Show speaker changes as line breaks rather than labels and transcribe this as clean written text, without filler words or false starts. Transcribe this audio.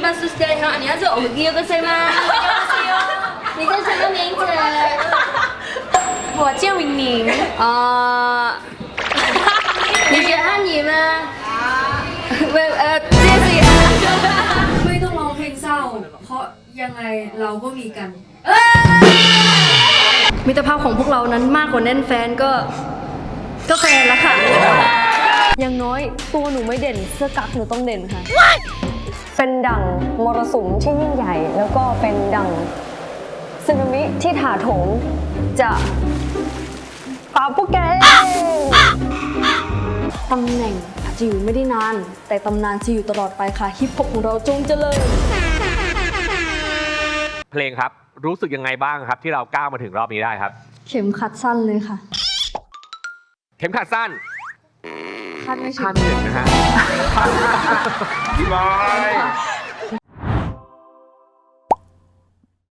把手机好，你要做我给个谁吗？你叫什么名字？
我叫明明。
你是汉语吗？这是啊。
ไม่ต้องร้องเพลงเศร้า เพราะยังไงเราก็มีกัน มิตรภาพของพวกเรานั้นมากกว่าแน่นแฟนก็แฟนแล้วค่ะ
อย่างน้อยตัวหนูไม่เด่นเสื้อกั๊กหนูต้องเด่นค่ะ เป็นดั่งมรสุมที่ยิ่งใหญ่ แล้วก็เป็นดั่งสึนามิที่ถาโถมจะปาปุกแกตำแหน่งอาจจะอยู่ไม่ได้นาน แต่ตำนานจะอยู่ตลอดไปค่ะฮิปฮอปของเราจงเจริญ
เพลงครับรู้สึกยังไงบ้างครับที่เราก้าวมาถึงรอบนี้ได้ครับ
เข็มขัดสั้นเลยค่ะ
เข็มขัดสั้น
คาดไม่ถึ
คาง ดไม่ถึงนะฮะ พี่บอย